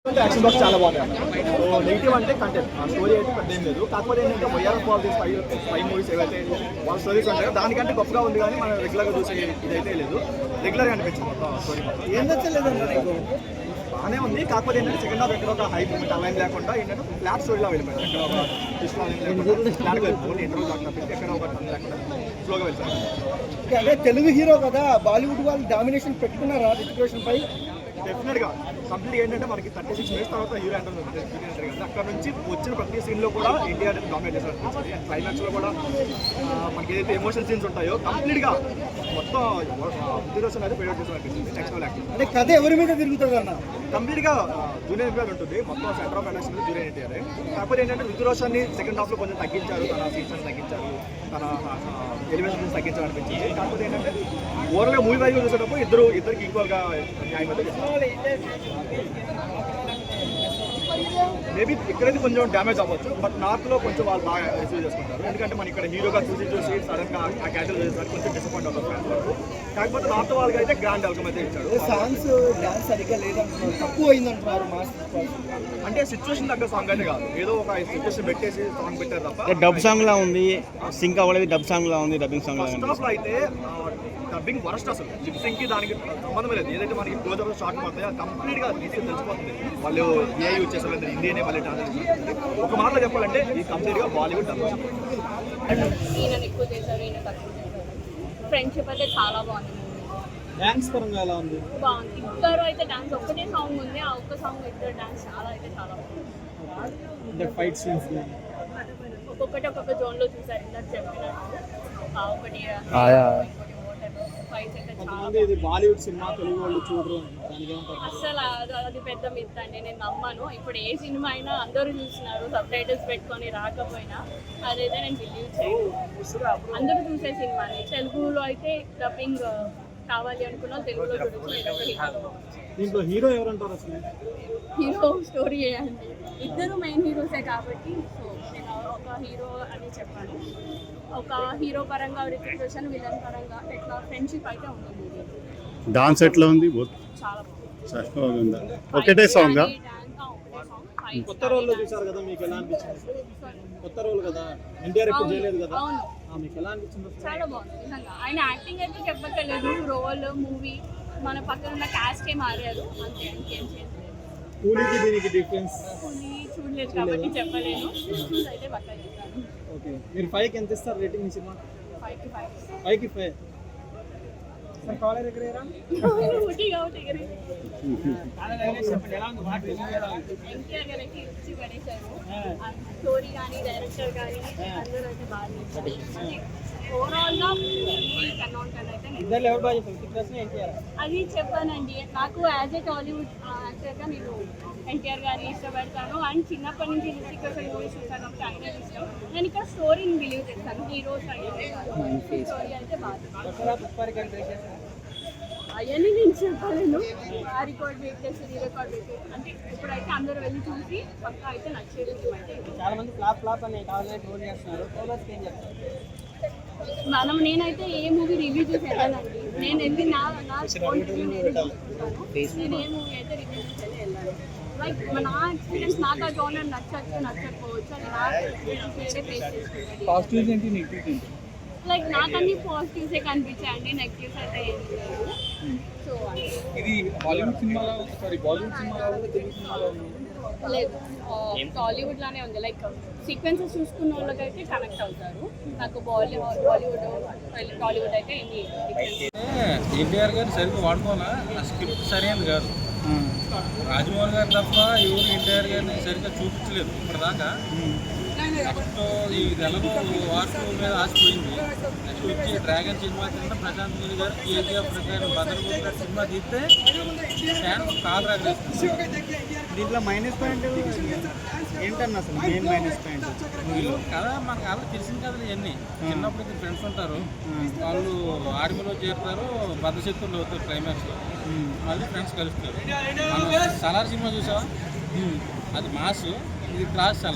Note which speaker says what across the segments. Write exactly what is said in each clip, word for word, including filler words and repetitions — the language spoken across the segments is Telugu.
Speaker 1: యాక్షన్ బాక్స్ చాలా బాగుంది. సో నెగిటివ్ అంటే కంటెంట్, ఆ స్టోరీ అయితే పెద్ద ఏం లేదు. కాకపోతే ఏంటంటే వైఆర్ పాలిటిక్స్ ఫైవ్ ఫైవ్ మూవీస్ ఏవైతే వాళ్ళ స్టోరీస్ ఉంటాయో దానికంటే గొప్పగా ఉంది, కానీ మనం రెగ్యులర్గా చూసే ఇదైతే లేదు. రెగ్యులర్గా అనిపించింది మొత్తం స్టోరీ మొత్తం
Speaker 2: ఏం నచ్చలేదన్నా నీకు?
Speaker 1: బాగానే ఉంది. కాకపోతే ఏంటంటే సెకండ్ హాఫ్ ఎక్కడ ఒక హై మూమెంట్ అలైన్ లేకుండా ఏంటంటే ఫ్లాట్ స్టోరీలో వెళ్ళిపోయింది. ఎక్కడ ఒక ట్విస్ట్ లేకుండా ఫ్లాట్గా వెళ్ళిపోయింది. ఇంటర్వ్యూ కాకుండా ఎక్కడ ఒక టన్ లేకుండా స్లోగా వెళ్తారు.
Speaker 2: అదే తెలుగు హీరో కదా, బాలీవుడ్ వాళ్ళు డామినేషన్ పెట్టుకున్నారా సిచ్యువేషన్ పై?
Speaker 1: డెఫినెట్గా కంప్లీట్ ఏంటంటే మనకి థర్టీ సిక్స్ మినిట్స్ తర్వాత హీరో ఎంటర్ కదా, అక్కడ నుంచి వచ్చిన ప్రతి సీన్లో కూడా ఇండియా అనేది డామినేట్ చేశారు. అండ్ క్లైమాక్స్లో కూడా మనకి ఏదైతే ఎమోషనల్ సీన్స్ ఉంటాయో కంప్లీట్గా మొత్తం ఉద్దేశం అయితే ప్రయోజనం చేసిన అనిపించింది. నెక్స్ట్ లెవెల్ యాక్టింగ్
Speaker 2: అంటే కథ ఎవరి మీద తిరుగుతుంది అన్న?
Speaker 1: కంప్లీట్గా జూనియర్ ఎన్టీఆర్ ఉంటుంది. మొత్తం centre of attraction junior NTR. కాకపోతే ఏంటంటే రుతురోషన్ని సెకండ్ హాఫ్లో కొంచెం తగ్గించారు, తన సీన్స్ తగ్గించారు, తన ఎలివేషన్స్ తగ్గించారు అనిపించింది. కాకపోతే ఏంటంటే ఓవరాల్గా మూవీ వైజ్గా చూసేటప్పుడు ఇద్దరు ఇద్దరికి ఈక్వల్గా న్యాయం అయితే మేబీ ఇక్కడైతే కొంచెం డ్యామేజ్ అవ్వచ్చు, బట్ నార్త్లో కొంచెం వాళ్ళు బాగా రిసీవ్ చేసుకుంటారు. ఎందుకంటే మన ఇక్కడ హీరోగా చూసి చూసి సడన్గా ఆ క్యారెక్టర్ చేస్తారు, కొంచెం డిసప్పాయింట్ అవుతారు ఫ్యాన్స్ వరకు. కాకపోతే నార్త్ వాళ్ళకి అయితే గ్రాండ్ వెల్కమ్ అయితే ఇచ్చాడు.
Speaker 2: సాంగ్స్ డాన్స్ సరిగ్గా లేదంటున్నారు, తక్కువ అయిందంటున్నారు.
Speaker 1: అంటే సిచ్యువేషన్ తగ్గ సాంగ్ అయితే కాదు, ఏదో ఒక సిచ్యువేషన్ పెట్టేసి సాంగ్ పెట్టారు తప్ప.
Speaker 3: డబ్ సాంగ్ లా ఉంది, సింక్ అవ్వలేదు. డబ్ సాంగ్ లా ఉంది, డబ్బింగ్ సాంగ్
Speaker 1: ఫస్ట్ హాఫ్ లో అయితే డబ్బింగ్ వరస్ట్, అసలు లిప్సింగ్ కి దానికి సంబంధం లేదు. ఏదైతే మనకి క్లోజ్ అప్ షార్ట్ పడతాయో కంప్లీట్ గా ఈజీగా తెలిసిపోతుంది వాళ్ళు ఏ యూజ్ చేస్తారు, హిందీనే మళ్ళీ ట్రాన్స్లేషన్. ఒక మాటలో చెప్పాలంటే ఈ కంప్లీట్ గా బాలీవుడ్ డబ్.
Speaker 4: ఈయన ఎక్కువ చేశారు, ఈయన తక్కువ చేశారు. ఫ్రెండ్షిప్ అయితే చాలా బాగుంది.
Speaker 2: డాన్స్ పరంగా ఎలా ఉంది?
Speaker 4: బాగుంది. ఇద్దరు అయితే డాన్స్ ఒక్కటే సాంగ్ ఉంది, ఆ ఒక్క సాంగ్ ఇద్దరు డాన్స్ చాలా అయితే చాలా బాగుంది.
Speaker 2: ఫైట్ సీన్స్
Speaker 4: ఒక్కొక్కటి ఒక్కొక్క జోన్ లో చూసారు ఇందాక చెప్పినట్టు. ఒకటి ఫైట్స్ అయితే చాలా
Speaker 2: ఇది బాలీవుడ్ సినిమా తెలుగు వాళ్ళు చూడరు,
Speaker 4: అసలు అది పెద్ద మిత్ అండి, నేను నమ్మను. ఇప్పుడు ఏ సినిమా అయినా అందరూ చూస్తున్నారు, సబ్ టైటిల్స్ పెట్టుకొని రాకపోయినా అదైతే నేను బిలీవ్ చేయను. అందరూ చూసే సినిమాని తెలుగులో అయితే డబ్బింగ్ కావాలి అనుకున్నా తెలుగులో చూడొచ్చు.
Speaker 2: దీంట్లో హీరో ఎవరంటారు అసలు?
Speaker 4: హీరో స్టోరీ చేయండి, ఇద్దరు మెయిన్ హీరోసే కాబట్టి సో నేను ఒక హీరో అని చెప్పాను. ఒక హీరో పరంగా రిపీట్ చేశాను, విలన్ పరంగా ఎట్లా ఫ్రెండ్షిప్ అయితే ఉంటుంది.
Speaker 3: డాన్స్ ఎట్లా ఉంది?
Speaker 4: చాలా బాగుంది.
Speaker 3: ఒకటే సాంగ్.
Speaker 2: కొత్త రోల్లో చూసారు కదా, మీకు ఎలా అనిపించింది? కొత్త రోల్ కదా, ఎన్టీఆర్ ఎప్పుడు చేయలేదు కదా, మీకు ఎలా అనిపించింది?
Speaker 4: చాలా బాగుంది నిజంగా. ఆయన యాక్టింగ్ అయితే చెప్పక్కర్లేదు, రోల్ మూవీ మన పక్కన ఉన్న క్యాస్టే మారారు అంతే, ఇంకేం చేయలేదు.
Speaker 2: కూలీకి దీనికి డిఫరెన్స్
Speaker 4: కూలీ చూడలేదు కాబట్టి చెప్పలేను, చూసి అయితే పక్క చెప్తాను.
Speaker 2: ఓకే, మీరు ఫైవ్కి ఎంత ఇస్తారు రేటింగ్ ఈ సినిమా?
Speaker 4: ఫైవ్ కి ఫైవ్
Speaker 2: ఫైవ్కి ఫైవ్. సార్ కాలేజ్ ఎక్కడేరా?
Speaker 4: ఊటీగా ఊటీగరే ఎన్టీఆర్ గారికి ఇచ్చి పడేశారు. స్టోరీ కానీ డైరెక్టర్ కానీ అందరూ అయితే బాగా ఓవరాల్ గా
Speaker 2: ఇద్దరు ఎవరు బాగా చెప్పారు?
Speaker 4: అది చెప్పానండి. నాకు యాజ్ ఏ టాలీవుడ్ యాక్టర్గా నేను ఎన్టీఆర్ గారిని ఇష్టపడతాను. అండ్ చిన్నప్పటి నుంచి రితిక్ రోషన్ మూవీస్ చూసాను కాబట్టి ఆయన ఇష్టం. నేను ఇక్కడ స్టోరీని బిలీవ్ చేస్తాను, హీరోస్ స్టోరీ అయితే బాగా అవన్నీ నేను చెప్పలేను. ఆ రికార్డ్ బ్రేక్ చేసి ఈ రికార్డ్ బ్రేక్ అంటే ఇప్పుడైతే అందరూ వెళ్ళి చూసి పక్కా అయితే నచ్చేది.
Speaker 2: చాలా మంది ఫ్లాప్ ఫ్లాప్ అని కావాలని ట్రోల్ చేస్తున్నారు, ట్రోలర్స్కి ఏం చెప్తారు?
Speaker 4: మనం నేనైతే ఏ మూవీ రివ్యూ చేసి వెళ్ళానండి, నేను వెళ్ళి నా నా పాయింట్ వ్యూ నేను చూసుకుంటాను. నేను ఏ మూవీ అయితే రివ్యూ చేసి వెళ్ళి వెళ్ళాను. లైక్ నా ఎక్స్పీరియన్స్ నాకు ఆ జోనర్ నచ్చచ్చు నచ్చకపోవచ్చు, అది నా వేరే ఫేస్ చేసుకుంటాను. లైక్ నాకు అన్ని పాజిటివ్సే కనిపించాయండి, నెగిటివ్స్ అయితే ఏం లేదు. సో
Speaker 2: ఇది హాలీవుడ్ సినిమాలో సారీ బాలీవుడ్ సినిమాలో
Speaker 4: లేదు, టాలీవుడ్ లానే ఉంది. లైక్ సీక్వెన్సెస్ చూసుకున్న వాళ్ళకైతే కనెక్ట్ అవుతారు. నాకు బాలీవుడ్ బాలీవుడ్ టాలీవుడ్ అయితే ఏమి
Speaker 5: ఎన్టీఆర్ గారు సరిగ్గా వాడుకోవాలా, ఆ స్క్రిప్ట్ సరైనది కాదు. రాజమౌళి గారు తప్ప ఎవరు ఎన్టీఆర్ గారిని సరిగ్గా చూపించలేదు ఇప్పటిదాకా. నెక్స్ట్ ఈ తెలుగు వార్తల మీద ఆశపోయింది. నెక్స్ట్ వచ్చి డ్రాగన్ సినిమా కింద ప్రశాంత్ నీల్ గారు కేజీఎఫ్ ప్రకారం భద్రపూర్ గారు సినిమా తీస్తే ఫ్యాన్స్ కాల్ రాగేస్తుంది.
Speaker 2: దీంట్లో మైనస్ పాయింట్ ఏంటన్నా అసలు మెయిన్ మైనస్ పాయింట్
Speaker 5: మూవీలో కదా మనకు అలా తెలిసిన కథలు ఇవన్నీ. చిన్నప్పుడు ఫ్రెండ్స్ ఉంటారు, వాళ్ళు ఆర్మీలో చేరుతారు, బద్ధశక్తులు అవుతారు, క్లైమాక్స్లో మళ్ళీ ఫ్రెండ్స్ కలుస్తారు. మనం సలార్ సినిమా చూసావా, అది మాస్, ఇది క్లాస్ సలార్.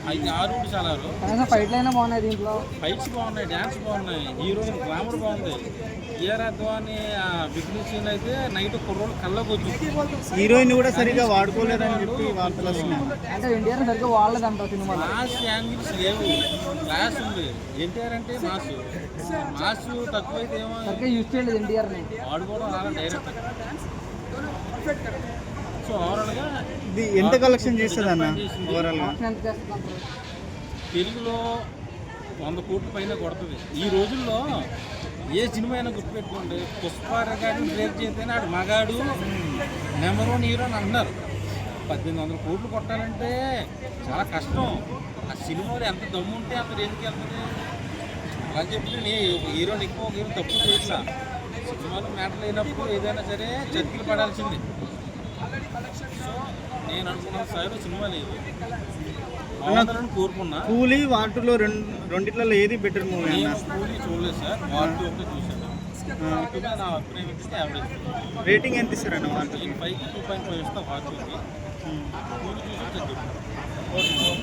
Speaker 5: ఐదు ఆరు చాలారు
Speaker 6: ఫైట్లు అయినా బాగున్నాయి దీంట్లో.
Speaker 5: ఫైట్స్ బాగున్నాయి, డ్యాన్స్ బాగున్నాయి, హీరోయిన్ గ్లామర్ బాగుంది. ఏఆర్ అద్వాని బిగ్ని సీన్ అయితే నైట్ కుర్రోళ్ళు కళ్ళకు వచ్చి
Speaker 3: హీరోయిన్ కూడా సరిగా వాడుకోలేదని చెప్పి వార్తలు వస్తున్నాయి.
Speaker 6: అంటే ఎన్టీఆర్ సరిగ్గా వాడలేదంటారు సినిమాలో.
Speaker 5: మాస్ యాంగిల్స్ లేవు, క్లాస్ ఉంది. ఎన్టీఆర్ అంటే మాస్, మాస్ తక్కువైతే ఏమో
Speaker 6: సరిగ్గా యూజ్ చేయలేదు ఎన్టీఆర్ని.
Speaker 5: వాడుకోవడం రాలా డైరెక్ట్. సో ఓవరాల్గా
Speaker 3: ఇది ఎంత కలెక్షన్ చేస్తుంది అన్న ఓవరాల్గా?
Speaker 6: ఎంత చేస్తున్నారు?
Speaker 5: తెలుగులో వంద కోట్ల పైన కొడుతుంది ఈ రోజుల్లో. ఏ సినిమా అయినా గుర్తుపెట్టుకోండి, పుష్ప రికార్డు బ్రేక్ చేస్తేనే ఆడు మగాడు నెంబర్ వన్ హీరో అని అంటున్నారు. పద్దెనిమిది వందల కోట్లు కొట్టాలంటే చాలా కష్టం. ఆ సినిమాలో ఎంత దమ్ము ఉంటే అంత రేంజ్కి వెళ్తుంది. అలా చెప్పి నేను హీరోని ఎక్కువ ఒక హీరో తప్పు చేయట్లా. సినిమాలో మ్యాటర్ అయినప్పుడు ఏదైనా సరే చర్చలు పడాల్సిందే. సో నేను అనుకున్న స్థాయిలో సినిమా లేదు, బాగుండాలని కోరుకున్నా.
Speaker 3: కూలీ వాటిలో రెండు రెండిట్లలో ఏది బెటర్ మూవీ అన్న?
Speaker 5: నేను కూలీ చూడలేదు సార్, వాటి ఒకటి చూశాను. వాటి మీద నా అభిప్రాయం ఇస్తే యావరేజ్.
Speaker 3: రేటింగ్ ఎంత ఇస్తారన్న వాటి?
Speaker 5: నేను పైకి టూ పాయింట్ ఫైవ్ ఇస్తా వాటికి. కూలీ చూసి చెప్తాను.